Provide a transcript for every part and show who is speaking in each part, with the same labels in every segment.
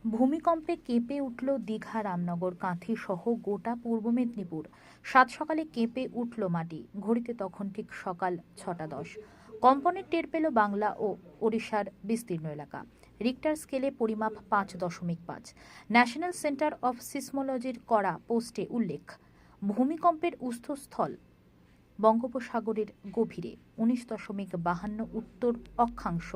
Speaker 1: ভূমিকম্পে কেঁপে উঠল দীঘা, রামনগর, কাঁথি সহ গোটা পূর্ব মেদিনীপুর। সাত সকালে কেঁপে উঠল মাটি। ঘড়িতে তখন ঠিক সকাল 6:10। কম্পনের টের পেল বাংলা ও ওড়িশার বিস্তীর্ণ এলাকা। রিক্টার স্কেলে পরিমাপ 5.5। ন্যাশনাল সেন্টার অফ সিসমোলজির করা পোস্টে উল্লেখ, ভূমিকম্পের উৎসস্থল বঙ্গোপসাগরের গভীরে, 19.52 উত্তর অক্ষাংশ,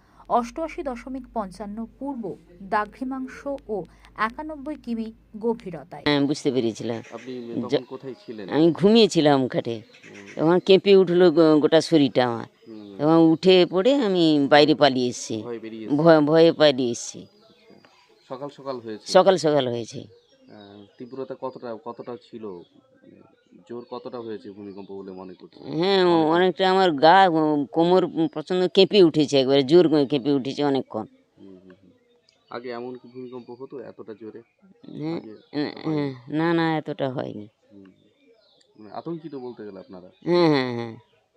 Speaker 1: 88.55 পূর্ব দ্রাঘিমাংশ ও 91 কিমি গভীরতায়।
Speaker 2: হ্যাঁ, বুঝতে পেরেছিলাম।
Speaker 3: আপনি তখন কোথায় ছিলেন?
Speaker 2: আমি ঘুমিয়েছিলাম খাটে। তখন কেঁপে উঠলো গোটা শরীরটা আমার। তখন উঠে পড়ে আমি বাইরে পালিয়ে এসেছি।
Speaker 3: ভয় বেরিয়ে
Speaker 2: ভয়ে পালিয়ে এসেছি।
Speaker 3: সকাল সকাল হয়েছে।
Speaker 2: সকাল সকাল হয়েছে।
Speaker 3: তীব্রতা কতটা ছিল? মানে জোর কতটা হয়েছে ভূমিকম্প বলে মনে করছেন?
Speaker 2: হ্যাঁ, অনেকটা আমার গা, কোমর প্রচণ্ড কেঁপে উঠেছে, একবারে জোর করে কেঁপে উঠেছে অনেকক্ষণ।
Speaker 3: আগে এমন কি ভূমিকম্প হতো এতটা জোরে?
Speaker 2: হ্যাঁ,
Speaker 3: হয়নি?
Speaker 2: না এতটা হয়নি।
Speaker 3: মানে আতঙ্কিত বলতে গেলে আপনারা?
Speaker 2: হ্যাঁ।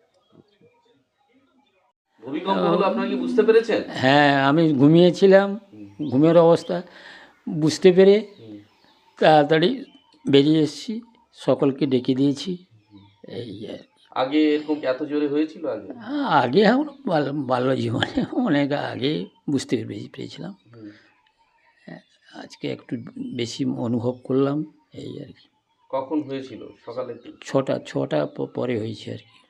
Speaker 3: ভূমিকম্প হলো আপনারা কি বুঝতে পেরেছেন?
Speaker 4: হ্যাঁ, আমি ঘুমিয়েছিলাম। ঘুমের অবস্থা বুঝতে পেরে তাড়াতাড়ি বেরিয়ে এসেছি, সকলকে ডেকে দিয়েছি। এই আর কি।
Speaker 3: আগে এরকম এত জোরে হয়েছিল আগে?
Speaker 4: আগে আমার বাল্য জীবনে অনেক আগে বুঝতে পেরেছিলাম। আজকে একটু বেশি অনুভব করলাম, এই আর কি।
Speaker 3: কখন হয়েছিল? সকালে?
Speaker 4: 6টা পরে হয়েছে আর কি।